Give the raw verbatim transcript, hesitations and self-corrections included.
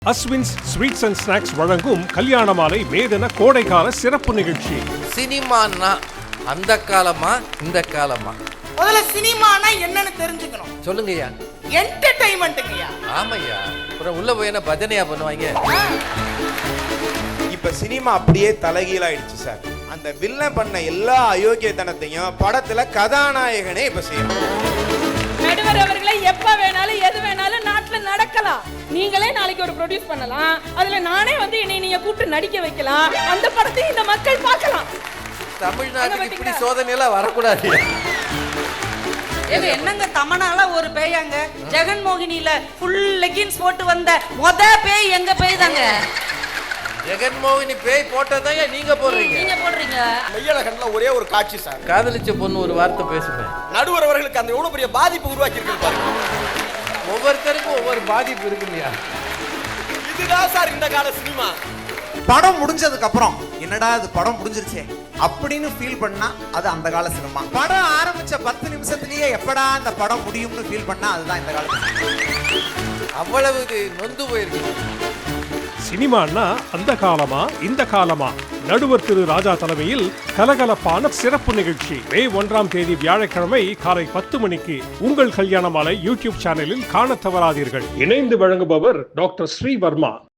Aswins sweets and snacks வழங்கும் கல்யாண மாலை மேதன கோடைக்கால சிறப்பு நிகழ்ச்சி. சினிமான்னா அந்த காலமா இந்த காலமா? முதல்ல சினிமானா என்னன்னு தெரிஞ்சுக்கணும். சொல்லுங்கய்யா. என்டர்டைன்மெண்ட்ங்கய்யா. ஆமையா. அப்புறம் உள்ள போய் என்ன பஜனையா பண்ணுவாங்க? இப்ப சினிமா அப்படியே தலைகீழாயிடுச்சு சார். அந்த வில்லன் பண்ண எல்லா அயோக்கியத்தனத்தையும் படத்துல கதாநாயகனே இப்ப செய்யணும். நடுவர் அவர்களை எப்ப வேணாலும் எது வேணாலும் நாட்டுல நடக்கலாம். நீங்களே நாளைக்கு ஒரு ப்ரொடியூஸ் பண்ணலாம். அதுல நானே வந்து என்னை நீங்க கூப்பிட்டு நடிக்க வைக்கலாம். அந்த படத்தை இந்த மக்கள் பார்க்கலாம். தமிழ்நாட்டுக்கு இப்படி சோதனை எல்லாம் வரக்கூடாது. இது என்னங்க தமனால ஒரு பேயாங்க ஜெகன்மோகினியில ஃபுல் லெகின்ஸ் போட்டு வந்த மொத பேய் எங்க பேய் தாங்க. ஜெகன்மோகினி பேய் போட்டதான் நீங்க போடுறீங்க. நீங்க போடுறீங்க. மெய்யழகன்ல ஒரே ஒரு காட்சி சார். காதலிச்ச பொண்ணு ஒரு வார்த்தை பேசுவேன். நடுவர் அவர்களுக்கு அந்த எவ்வளவு பெரிய பாதிப்பு உருவாக்கி இருக்கு பாருங்க. ஒவ்வொருத்தருக்கும் ஒவ்வொரு பாதிப்பு இருக்கு இல்லையா? இதுதான் சார் இந்த கால சினிமா. படம் முடிஞ்சதுக்கு அப்புறம் என்னடா இது படம் முடிஞ்சிருச்சே அப்படின்னு ஃபீல் பண்ணா அது அந்த கால சினிமா. படம் ஆரம்பிச்ச பத்து நிமிஷத்துலயே எப்படா இந்த படம் முடியும்னு ஃபீல் பண்ணா அதுதான் இந்த கால. அவ்வளவு நொந்து போயிருக்கு. சினிமான்னா அந்த காலமா இந்த காலமா? நடுவர் திரு ராஜா தலைமையில் கலகலப்பான சிறப்பு நிகழ்ச்சி மே ஒன்றாம் தேதி வியாழக்கிழமை காலை பத்து மணிக்கு உங்கள் கல்யாண மாலை யூடியூப் சேனலில் காண தவறாதீர்கள். இணைந்து வழங்குபவர் டாக்டர் ஸ்ரீவர்மா.